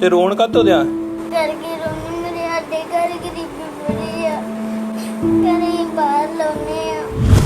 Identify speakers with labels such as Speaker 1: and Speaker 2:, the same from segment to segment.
Speaker 1: ਤੇ ਰੋਣ ਕਾਤੋਂ ਦਿਆ?
Speaker 2: ਕਰਕੇ ਰੋਣੀ ਮੇਰੇ ਸਾਡੇ ਘਰ ਗਰੀਬੀ ਬੜੀ ਆ, ਘਰੇ ਬਾਹਰ ਲਾਉਨੇ ਆ।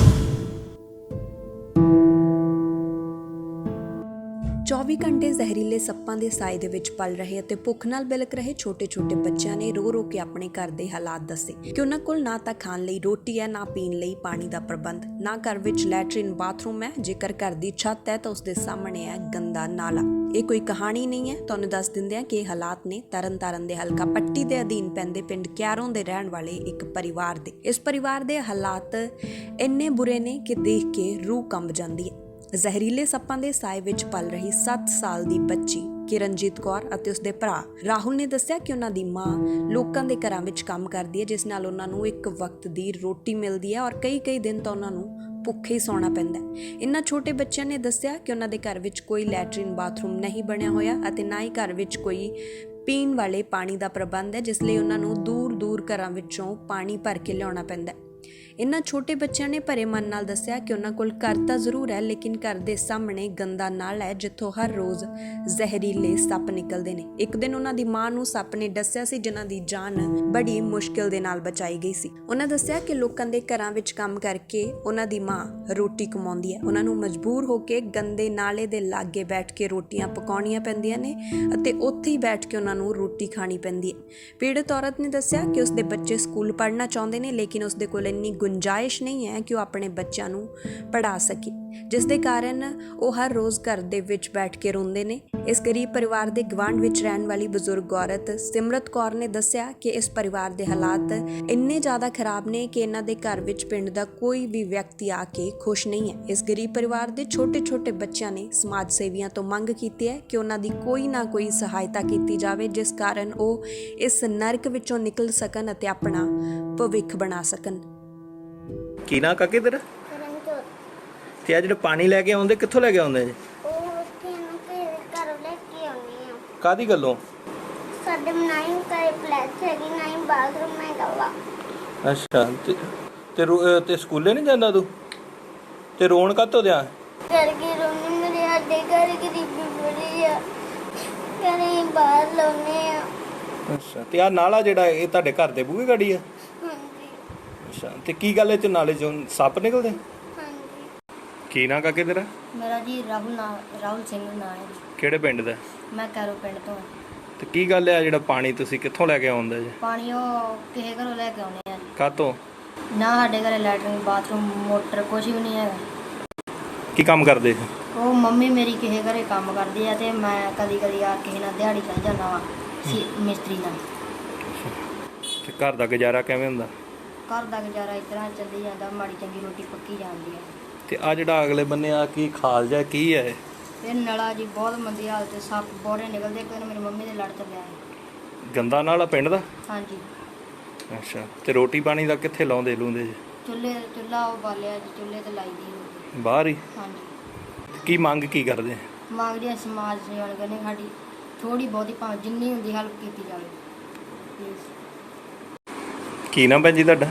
Speaker 3: 24 ਘੰਟੇ ਜ਼ਹਿਰੀਲੇ ਸੱਪਾਂ ਦੇ ਸਾਏ ਦੇ ਵਿੱਚ ਪਲ ਰਹੇ ਅਤੇ ਭੁੱਖ ਨਾਲ ਬਿਲਕ ਰਹੇ ਛੋਟੇ-ਛੋਟੇ ਬੱਚਿਆਂ ਨੇ ਰੋ ਕੇ ਆਪਣੇ ਘਰ ਦੇ ਹਾਲਾਤ ਦੱਸੇ ਕਿ ਉਹਨਾਂ ਕੋਲ ਨਾ ਤਾਂ ਖਾਣ ਲਈ ਰੋਟੀ ਹੈ, ਨਾ ਪੀਣ ਲਈ ਪਾਣੀ ਦਾ ਪ੍ਰਬੰਧ, ਨਾ ਘਰ ਵਿੱਚ ਲੈਟਰਿਨ ਬਾਥਰੂਮ ਹੈ। ਜੇਕਰ ਘਰ ਦੀ ਛੱਤ ਹੈ ਤਾਂ ਉਸ ਦੇ ਸਾਹਮਣੇ ਹੈ ਗੰਦਾ ਨਾਲਾ। ਇਹ ਕੋਈ ਕਹਾਣੀ ਨਹੀਂ ਹੈ, ਤੁਹਾਨੂੰ ਦੱਸ ਦਿੰਦੇ ਹਾਂ ਕਿ ਇਹ ਹਾਲਾਤ ਨੇ ਤਰਨਤਾਰਨ ਦੇ ਹਲਕਾ ਪੱਟੀ ਦੇ ਅਧੀਨ ਪੈਂਦੇ ਪਿੰਡ ਕਿਆਰੋਂ ਦੇ ਰਹਿਣ ਵਾਲੇ ਇੱਕ ਪਰਿਵਾਰ ਦੇ। ਇਸ ਪਰਿਵਾਰ ਦੇ ਹਾਲਾਤ ਇੰਨੇ ਬੁਰੇ ਨੇ ਕਿ ਦੇਖ ਕੇ ਰੂਹ ਕੰਬ ਜਾਂਦੀ ਹੈ। ਜ਼ਹਿਰੀਲੇ ਸੱਪਾਂ ਦੇ ਸਾਏ ਵਿੱਚ ਪਲ ਰਹੀ 7 ਸਾਲ ਦੀ ਬੱਚੀ ਕਿਰਨਜੀਤ ਕੌਰ ਅਤੇ ਉਸਦੇ ਭਰਾ ਰਾਹੁਲ ਨੇ ਦੱਸਿਆ ਕਿ ਉਹਨਾਂ ਦੀ ਮਾਂ ਲੋਕਾਂ ਦੇ ਘਰਾਂ ਵਿੱਚ ਕੰਮ ਕਰਦੀ ਹੈ, ਜਿਸ ਨਾਲ ਉਹਨਾਂ ਨੂੰ ਇੱਕ ਵਕਤ ਦੀ ਰੋਟੀ ਮਿਲਦੀ ਹੈ ਔਰ ਕਈ ਦਿਨ ਤਾਂ ਉਹਨਾਂ ਨੂੰ ਭੁੱਖੇ ਹੀ ਸੌਣਾ ਪੈਂਦਾ ਹੈ। ਇਨ੍ਹਾਂ ਛੋਟੇ ਬੱਚਿਆਂ ਨੇ ਦੱਸਿਆ ਕਿ ਉਹਨਾਂ ਦੇ ਘਰ ਵਿੱਚ ਕੋਈ ਲੈਟਰਿਨ ਬਾਥਰੂਮ ਨਹੀਂ ਬਣਿਆ ਹੋਇਆ ਅਤੇ ਨਾ ਹੀ ਘਰ ਵਿੱਚ ਕੋਈ ਪੀਣ ਵਾਲੇ ਪਾਣੀ ਦਾ ਪ੍ਰਬੰਧ ਹੈ, ਜਿਸ ਲਈ ਉਹਨਾਂ ਨੂੰ ਦੂਰ ਘਰਾਂ ਵਿੱਚੋਂ ਪਾਣੀ ਭਰ ਕੇ ਲਿਆਉਣਾ ਪੈਂਦਾ ਹੈ। ਇਨ੍ਹਾਂ ਛੋਟੇ ਬੱਚਿਆਂ ਨੇ ਭਰੇ ਮਨ ਨਾਲ ਦੱਸਿਆ ਕਿ ਉਹਨਾਂ ਕੋਲ ਘਰ ਤਾਂ ਜ਼ਰੂਰ ਹੈ, ਲੇਕਿਨ ਘਰ ਦੇ ਸਾਹਮਣੇ ਗੰਦਾ ਨਾਲਾ ਹੈ ਜਿੱਥੋਂ ਹਰ ਰੋਜ਼ ਜ਼ਹਿਰੀਲੇ ਸੱਪ ਨਿਕਲਦੇ ਨੇ। ਇੱਕ ਦਿਨ ਉਹਨਾਂ ਦੀ ਮਾਂ ਨੂੰ ਸੱਪ ਨੇ ਦੱਸਿਆ ਸੀ, ਜਿਨ੍ਹਾਂ ਦੀ ਜਾਨ ਬੜੀ ਮੁਸ਼ਕਿਲ ਦੇ ਨਾਲ ਬਚਾਈ ਗਈ ਸੀ। ਉਹਨਾਂ ਦੱਸਿਆ ਕਿ ਲੋਕਾਂ ਦੇ ਘਰਾਂ ਵਿੱਚ ਕੰਮ ਕਰਕੇ ਉਹਨਾਂ ਦੀ ਮਾਂ ਰੋਟੀ ਕਮਾਉਂਦੀ ਹੈ। ਉਹਨਾਂ ਨੂੰ ਮਜਬੂਰ ਹੋ ਕੇ ਗੰਦੇ ਨਾਲੇ ਦੇ ਲਾਗੇ ਬੈਠ ਕੇ ਰੋਟੀਆਂ ਪਕਾਉਣੀਆਂ ਪੈਂਦੀਆਂ ਨੇ ਅਤੇ ਉੱਥੇ ਹੀ ਬੈਠ ਕੇ ਉਹਨਾਂ ਨੂੰ ਰੋਟੀ ਖਾਣੀ ਪੈਂਦੀ ਹੈ। ਪੀੜਤ ਔਰਤ ਨੇ ਦੱਸਿਆ ਕਿ ਉਸਦੇ ਬੱਚੇ ਸਕੂਲ ਪੜ੍ਹਨਾ ਚਾਹੁੰਦੇ ਨੇ, ਲੇਕਿਨ ਉਸਦੇ ਕੋਲ ਇੰਨੀ ਗੁੰਜਾਇਸ਼ ਨਹੀਂ ਹੈ ਕਿ ਉਹ ਆਪਣੇ ਬੱਚਿਆਂ ਨੂੰ ਪੜ੍ਹਾ ਸਕੇ, ਜਿਸ ਦੇ ਕਾਰਨ ਉਹ ਹਰ ਰੋਜ਼ ਘਰ ਦੇ ਵਿੱਚ ਬੈਠ ਕੇ ਰੋਂਦੇ ਨੇ। ਇਸ ਗਰੀਬ ਪਰਿਵਾਰ ਦੇ ਗਵਾਂਢ ਵਿੱਚ ਰਹਿਣ ਵਾਲੀ ਬਜ਼ੁਰਗ ਔਰਤ ਸਿਮਰਤ ਕੌਰ ਨੇ ਦੱਸਿਆ ਕਿ ਇਸ ਪਰਿਵਾਰ ਦੇ ਹਾਲਾਤ ਇੰਨੇ ਜ਼ਿਆਦਾ ਖਰਾਬ ਨੇ ਕਿ ਇਹਨਾਂ ਦੇ ਘਰ ਵਿੱਚ ਪਿੰਡ ਦਾ ਕੋਈ ਵੀ ਵਿਅਕਤੀ ਆ ਕੇ ਖੁਸ਼ ਨਹੀਂ ਹੈ। ਇਸ ਗਰੀਬ ਪਰਿਵਾਰ ਦੇ ਛੋਟੇ ਬੱਚਿਆਂ ਨੇ ਸਮਾਜ ਸੇਵੀਆਂ ਤੋਂ ਮੰਗ ਕੀਤੀ ਹੈ ਕਿ ਉਹਨਾਂ ਦੀ ਕੋਈ ਨਾ ਕੋਈ ਸਹਾਇਤਾ ਕੀਤੀ ਜਾਵੇ, ਜਿਸ ਕਾਰਨ ਉਹ ਇਸ ਨਰਕ ਵਿੱਚੋਂ ਨਿਕਲ ਸਕਣ ਅਤੇ ਆਪਣਾ ਭਵਿੱਖ ਬਣਾ ਸਕਣ।
Speaker 1: ਕੀ ਨਾ ਕਾਕੇ ਤੇਰਾ?
Speaker 2: ਕਰਨਜੋਤ।
Speaker 1: ਤੇ ਆ ਜਿਹੜਾ ਪਾਣੀ ਲੈ ਕੇ ਆਉਂਦੇ ਕਿੱਥੋਂ ਲੈ ਕੇ ਆਉਂਦੇ ਜੀ?
Speaker 2: ਉਹ ਉੱਥੇ ਨੂੰ ਘਰੇ ਘਰੋਂ ਲੈ ਕੇ ਆਉਣੀ ਆ।
Speaker 1: ਕਾਦੀ ਗੱਲੋਂ?
Speaker 2: ਸਾਡੇ ਬਣਾਈ ਘਰੇ ਫਲੈਸ਼ ਹੈਗੀ, ਨਾ ਹੀ ਬਾਥਰੂਮ ਹੈਗਾ ਵਾ।
Speaker 1: ਅੱਛਾ, ਤੇ ਸਕੂਲੇ ਨਹੀਂ ਜਾਂਦਾ ਤੂੰ? ਤੇ ਰੋਣ ਕਾਤੋਂ ਦਿਆ?
Speaker 2: ਕਰਕੇ ਰੋਣੀ ਮੇਰੇ ਸਾਡੇ ਘਰ ਗਰੀਬੀ ਬੜੀ ਆ, ਘਰੇ ਬਾਹਰ ਲਾਉਨੇ ਆ।
Speaker 1: ਅੱਛਾ, ਤੇ ਆ ਨਾਲਾ ਜਿਹੜਾ ਇਹ ਤੁਹਾਡੇ ਘਰ ਦੇ ਬੂਹੇ ਗਾੜੀ ਆ?
Speaker 2: ਹਾਂਜੀ
Speaker 1: ਅੱਛਾ, ਤੇ ਕੀ ਗੱਲ ਇਹ ਚ ਨਾਲੇ ਚੋਂ ਸੱਪ ਨਿਕਲਦੇ?
Speaker 2: ਹਾਂਜੀ।
Speaker 1: ਕੀ ਨਾ ਕਾਕੇ ਤੇਰਾ?
Speaker 4: ਮੇਰਾ ਜੀ ਰਾਹੁਲ ਸਿੰਘ ਨਾਂ ਹੈ ਜੀ।
Speaker 1: ਕਿਹੜੇ ਪਿੰਡ ਦਾ?
Speaker 4: ਮੈਂ ਕੈਰੋਂ ਪਿੰਡ ਤੋਂ ਹਾਂ।
Speaker 1: ਤੇ ਕੀ ਗੱਲ ਹੈ ਜਿਹੜਾ ਪਾਣੀ ਤੁਸੀਂ ਕਿੱਥੋਂ ਲੈ ਕੇ ਆਉਂਦੇ ਜੀ?
Speaker 4: ਪਾਣੀ ਉਹ ਕਿਸੇ ਘਰੋਂ ਲੈ ਕੇ ਆਉਣੇ ਆ ਜੀ।
Speaker 1: ਕਾਤੋਂ?
Speaker 4: ਨਾ ਸਾਡੇ ਘਰੇ ਲੈਟਰਿਨ ਬਾਥਰੂਮ ਮੋਟਰ ਕੁਝ ਵੀ ਨਹੀਂ ਹੈਗਾ।
Speaker 1: ਕੀ ਕੰਮ ਕਰਦੇ?
Speaker 4: ਉਹ ਮੰਮੀ ਮੇਰੀ ਕਿਸੇ ਘਰੇ ਕੰਮ ਕਰਦੀ ਆ ਤੇ ਮੈਂ ਕਦੀ ਆ ਕਿਸੇ ਨਾਲ ਦਿਹਾੜੀ ਚੱਲ ਜਾਂਦਾ ਵਾਂ ਮਿਸਤਰੀ ਨਾਲ।
Speaker 1: ਤੇ ਘਰ ਦਾ ਗੁਜ਼ਾਰਾ ਕਿਵੇਂ ਹੁੰਦਾ?
Speaker 4: ਘਰ ਦਾ ਗੁਜ਼ਾਰਾ ਇਸ ਤਰ੍ਹਾਂ ਚੱਲੀ ਜਾਂਦਾ, ਮਾੜੀ ਚੰਗੀ ਰੋਟੀ ਪੱਕੀ ਜਾਂਦੀ ਹੈ।
Speaker 1: ਤੇ ਆ ਜਿਹੜਾ ਅਗਲੇ ਬੰਨੇ ਆ ਕੀ ਖਾਲ ਜਾ ਕੀ ਹੈ?
Speaker 4: ਇਹ ਨਲਾ ਜੀ ਬਹੁਤ ਮੰਦੀ ਹਾਲਤ, ਸੱਪ ਬੋਰੇ ਨਿਕਲਦੇ। ਕੋਈ ਮੇਰੀ ਮੰਮੀ ਦੇ ਲੜ ਚੱਲਿਆ ਹੈ।
Speaker 1: ਗੰਦਾ ਨਾਲਾ ਪਿੰਡ ਦਾ?
Speaker 4: ਹਾਂਜੀ।
Speaker 1: ਅੱਛਾ, ਤੇ ਰੋਟੀ ਪਾਣੀ ਦਾ ਕਿੱਥੇ ਲਾਉਂਦੇ ਲੂੰਦੇ ਜੀ?
Speaker 4: ਚੁੱਲ੍ਹਾ ਉਹ ਬਾਲਿਆ ਜੀ, ਚੁੱਲ੍ਹੇ ਤੇ ਲਾਈ ਦੀ।
Speaker 1: ਬਾਹਰ ਹੀ?
Speaker 4: ਹਾਂਜੀ।
Speaker 1: ਕੀ ਮੰਗ ਕੀ ਕਰਦੇ?
Speaker 4: ਮੰਗਦੇ ਸਮਾਜ ਸੇਵਾ ਕਰਨੀ, ਸਾਡੀ ਥੋੜੀ ਬਹੁਤੀ ਭਾਵੇਂ ਜਿੰਨੀ ਹੁੰਦੀ ਹੈਲਪ ਕੀਤੀ ਜਾਵੇ ਪਲੀਜ਼।
Speaker 1: ਕੀ ਨਾ ਭੈਣ ਜੀ ਤੁਹਾਡਾ?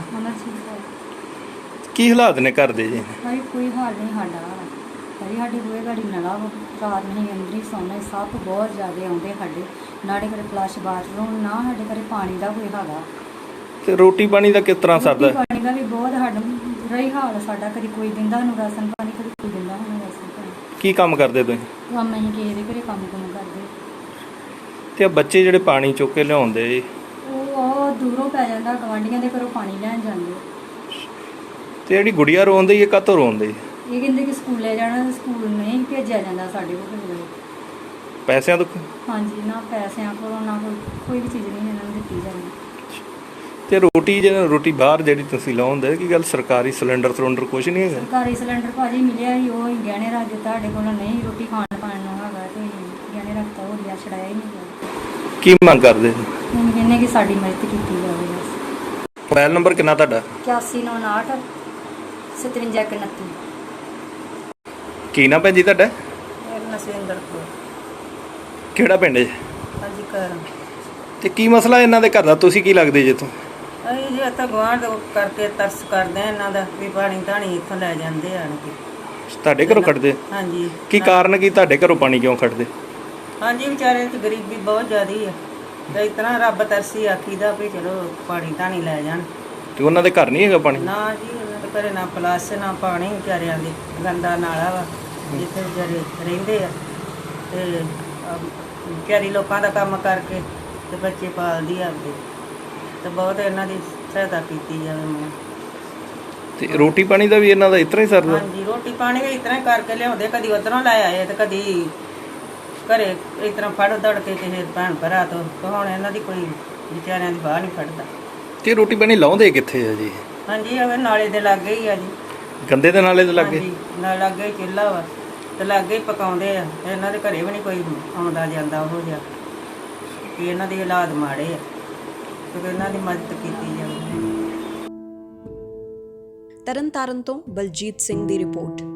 Speaker 1: ਕੀ ਹਾਲਾਤ ਨੇ ਘਰ ਦੇ ਜੀ?
Speaker 5: ਭਾਈ ਕੋਈ ਹਾਲ ਨਹੀਂ ਸਾਡਾ। ਭਾਈ ਸਾਡੀ ਬੂਹੇ ਗਾੜੀ ਨਲਾ ਰਾਤ ਨਹੀਂ ਅੰਦਰ ਹੀ ਸੌਣਾ। ਸੱਪ ਬਹੁਤ ਜ਼ਿਆਦਾ ਆਉਂਦੇ ਸਾਡੇ। ਨਾਲੇ ਘਰੇ ਫਲਸ਼ ਬਾਥਰੂਮ, ਨਾ ਸਾਡੇ ਘਰੇ ਪਾਣੀ ਦਾ ਕੋਈ ਹੈਗਾ।
Speaker 1: ਤੇ ਰੋਟੀ ਪਾਣੀ ਦਾ ਕਿਸ ਤਰ੍ਹਾਂ ਸਰਦਾ?
Speaker 5: ਰੋਟੀ ਪਾਣੀ ਦਾ ਵੀ ਬਹੁਤ ਸਾਡਾ ਰਹੀ ਹਾਲ ਸਾਡਾ। ਕਦੀ ਕੋਈ ਦਿੰਦਾ ਨੂੰ ਰਾਸ਼ਨ ਪਾਣੀ, ਕਦੀ ਕੋਈ ਦਿੰਦਾ ਸਾਨੂੰ ਰਾਸ਼ਨ ਪਾਣੀ।
Speaker 1: ਕੀ ਕੰਮ ਕਰਦੇ ਤੁਸੀਂ?
Speaker 5: ਕੰਮ ਅਸੀਂ ਕਿਸੇ ਦੇ ਘਰੇ ਕੰਮ ਕਰਦੇ।
Speaker 1: ਤੇ ਆ ਬੱਚੇ ਜਿਹੜੇ ਪਾਣੀ ਚੁੱਕ ਕੇ ਲਿਆਉਂਦੇ ਜੀ,
Speaker 5: ਉਹ ਦੂਰੋਂ ਪੈ ਜਾਂਦਾ, ਗਵਾਂਢੀਆਂ ਦੇ ਘਰੋਂ ਪਾਣੀ ਲੈਣ ਜਾਂਦੇ।
Speaker 1: ਤੇ ਜਿਹੜੀ ਗੁੜੀਆ ਰੋਂਦੀ ਹੈ ਕਾਹਤੋਂ ਰੋਂਦੀ?
Speaker 5: ਇਹ ਕਹਿੰਦੇ ਕਿ ਸਕੂਲੇ ਜਾਣਾ, ਤੇ ਸਕੂਲ ਨਹੀਂ ਭੇਜਿਆ ਜਾਂਦਾ ਸਾਡੇ ਕੋਲ।
Speaker 1: ਪੈਸਿਆਂ ਤੋਂ?
Speaker 5: ਹਾਂਜੀ, ਨਾ ਪੈਸਿਆਂ ਕੋਲੋਂ ਨਾ ਕੋਈ ਵੀ ਚੀਜ਼ ਨਹੀਂ ਇਹਨਾਂ ਨੂੰ ਦਿੱਤੀ ਜਾਂਦੀ।
Speaker 1: ਤੇ ਰੋਟੀ ਬਾਹਰ ਜਿਹੜੀ ਤੁਸੀਂ ਲਾਉਂਦੇ, ਕੀ ਗੱਲ ਸਰਕਾਰੀ ਸਿਲੰਡਰ ਕੁਝ ਨਹੀਂ ਹੈਗਾ?
Speaker 5: ਸਰਕਾਰੀ ਸਿਲੰਡਰ ਭਾਜੀ ਮਿਲਿਆ ਸੀ, ਉਹ ਹੀ ਗਹਿਣੇ ਰੱਖ ਦਿੱਤਾ। ਸਾਡੇ ਕੋਲ ਨਹੀਂ ਰੋਟੀ ਖਾਣ ਪਾਣ ਨੂੰ ਹੈਗਾ, ਤੇ ਗਹਿਣੇ ਰੱਖਤਾ, ਉਹ ਲਿਆ ਛੜਾਇਆ ਹੀ ਨਹੀਂ ਗਿਆ।
Speaker 1: ਕੀ ਮੰਗ ਕਰਦੇ?
Speaker 5: ਹੁਣ ਕਹਿੰਦੇ ਕਿ ਸਾਡੀ ਮਦਦ ਕੀਤੀ ਜਾਵੇ ਬਸ।
Speaker 1: ਮੋਬਾਈਲ ਨੰਬਰ ਕਿੰਨਾ ਤੁਹਾਡਾ?
Speaker 5: 8198 5729।
Speaker 1: ਕੀ ਨਾ ਭੈਣ ਜੀ ਤੁਹਾਡਾ?
Speaker 5: ਨਸਵਿੰਦਰ ਕੌਰ।
Speaker 1: ਕਿਹੜਾ ਪਿੰਡ ਹੈ?
Speaker 5: ਹਾਂਜੀ ਕਰ।
Speaker 1: ਤੇ ਕੀ ਮਸਲਾ ਇਹਨਾਂ ਦੇ ਘਰ ਦਾ? ਤੁਸੀਂ ਕੀ ਲੱਗਦੇ ਜੇ ਤੋਂ?
Speaker 6: ਅਸੀਂ ਜੀ ਇੱਥੇ ਗੁਆਂਢ ਕਰਕੇ ਤਰਸ ਕਰਦੇ ਆ ਇਹਨਾਂ ਦਾ ਵੀ ਪਾਣੀ ਧਾਣੀ ਇੱਥੋਂ ਲੈ ਜਾਂਦੇ ਆਣ ਕੇ।
Speaker 1: ਤੁਹਾਡੇ ਘਰੋਂ ਕੱਢਦੇ?
Speaker 6: ਹਾਂਜੀ।
Speaker 1: ਕੀ ਕਾਰਨ ਕੀ ਤੁਹਾਡੇ ਘਰੋਂ ਪਾਣੀ ਕਿਉਂ ਕੱਢਦੇ?
Speaker 6: ਹਾਂਜੀ ਵਿਚਾਰੇ ਤੇ ਗਰੀਬੀ ਬਹੁਤ ਜ਼ਿਆਦੀ ਆ ਤੇ ਇਤਨਾ ਰੱਬ ਤਰਸੀ ਆਖੀਦਾ ਵੀ ਚਲੋ ਪਾਣੀ ਧਾਣੀ ਲੈ ਜਾਣ।
Speaker 1: ਤੇ ਉਹਨਾਂ ਦੇ ਘਰ ਨਹੀਂ ਹੈਗਾ ਪਾਣੀ?
Speaker 6: ਨਾ ਜੀ ਉਹਨਾਂ ਦੇ ਘਰੇ ਨਾ ਪਲਾਸ ਨਾ ਪਾਣੀ, ਵਿਚਾਰਿਆਂ ਦੇ ਗੰਦਾ ਨਾਲਾ ਵਾ ਜਿੱਥੇ ਵਿਚਾਰੇ ਰਹਿੰਦੇ ਆ ਤੇ ਵਿਚਾਰੀ ਲੋਕਾਂ ਦਾ ਕੰਮ ਕਰਕੇ ਤੇ ਬੱਚੇ ਪਾਲਦੀ ਆ ਆਪਦੇ ਤੇ ਬਹੁਤ ਇਹਨਾਂ ਦੀ ਸਹਾਇਤਾ ਕੀਤੀ ਜਾਵੇ ਮੈਂ।
Speaker 1: ਤੇ ਰੋਟੀ ਪਾਣੀ ਦਾ ਵੀ ਇਹਨਾਂ ਦਾ ਇਸ ਤਰ੍ਹਾਂ ਹੀ ਸਰਦਾ?
Speaker 6: ਹਾਂਜੀ ਰੋਟੀ ਪਾਣੀ ਵੀ ਇਸ ਤਰ੍ਹਾਂ ਹੀ ਕਰਕੇ ਲਿਆਉਂਦੇ, ਕਦੀ ਉਧਰੋਂ ਲੈ ਆਏ ਤੇ ਕਦੀ ਘਰੇ ਇਸ ਤਰ੍ਹਾਂ ਫੜ ਦੜ ਕੇ ਕਿਸੇ ਭੈਣ ਭਰਾ ਤੋਂ। ਤੇ ਹੁਣ ਇਹਨਾਂ ਦੀ ਕੋਈ ਵਿਚਾਰਿਆਂ ਦੀ ਬਾਹ ਨਹੀਂ ਫੜਦਾ।
Speaker 1: ਤੇ ਰੋਟੀ ਪਾਣੀ ਲਾਉਂਦੇ ਕਿੱਥੇ ਆ ਜੀ?
Speaker 6: ਹਾਂਜੀ ਉਹ ਨਾਲੇ ਦੇ ਲਾਗੇ ਹੀ ਆ ਜੀ।
Speaker 1: ਗੰਦੇ ਦੇ ਨਾਲੇ ਦੇ ਲੱਗੇ?
Speaker 6: ਹਾਂਜੀ ਨਾਲ ਲਾਗੇ ਹੀ ਚੁੱਲ੍ਹਾ ਵਾ ਤੇ ਲਾਗੇ ਹੀ ਪਕਾਉਂਦੇ ਆ। ਤੇ ਇਹਨਾਂ ਦੇ ਘਰੇ ਵੀ ਨਹੀਂ ਕੋਈ ਆਉਂਦਾ ਜਾਂਦਾ ਉਹੋ ਜਿਹਾ ਕਿ ਇਹਨਾਂ ਦੇ ਹਾਲਾਤ ਮਾੜੇ ਆ ਤੇ ਇਹਨਾਂ ਦੀ ਮਦਦ ਕੀਤੀ ਜਾਵੇ।
Speaker 3: ਤਰਨਤਾਰਨ ਤੋਂ ਬਲਜੀਤ ਸਿੰਘ ਦੀ ਰਿਪੋਰਟ।